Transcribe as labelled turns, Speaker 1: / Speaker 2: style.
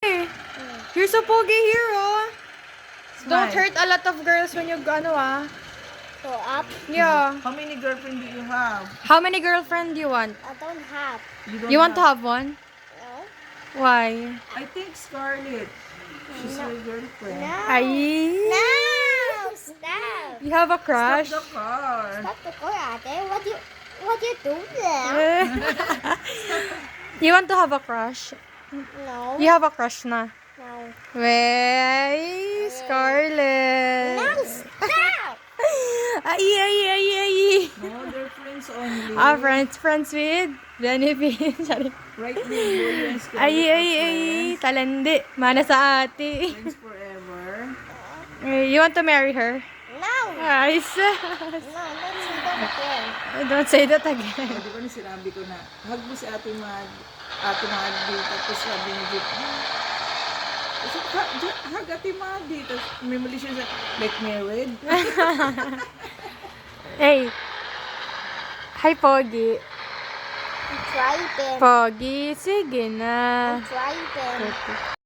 Speaker 1: You're so pogi here, oh. Don't
Speaker 2: Smile.
Speaker 1: hurt a lot of girls when you,
Speaker 3: Go up.
Speaker 1: Yeah.
Speaker 2: How many girlfriend do you have?
Speaker 1: How many girlfriend do you want?
Speaker 3: I don't have.
Speaker 2: don't
Speaker 1: You want to have one?
Speaker 3: No.
Speaker 1: Why?
Speaker 2: I think Scarlett. She's my girlfriend.
Speaker 3: No.
Speaker 1: Ay.
Speaker 3: No. Stop.
Speaker 1: You have a crush?
Speaker 2: Stop the car.
Speaker 3: Stop the car, Ate. What you do there?
Speaker 1: You want to have a crush?
Speaker 3: No.
Speaker 1: You have a crush na?
Speaker 3: No.
Speaker 1: Wey, Scarlett.
Speaker 3: No. Stop.
Speaker 1: Ay.
Speaker 2: No, they're friends only.
Speaker 1: Friends with benefits. Sorry.
Speaker 2: Right now, you and Scarlett are friends.
Speaker 1: Talandi. Mana sa ate.
Speaker 2: Friends forever.
Speaker 1: You want to marry her?
Speaker 3: No.
Speaker 1: Ay,
Speaker 3: No. Don't say that again.
Speaker 1: don't say that again.
Speaker 2: Di ba na sinabi ko na, hug mo si Ate Mad dito. Tapos sabi ni Jeep, hug Ate Mad dito. May mali siya sa, like married.
Speaker 1: Hey. Hi, Pogi.
Speaker 3: I'm trying.
Speaker 1: Pogi, sige na.
Speaker 3: I'm trying.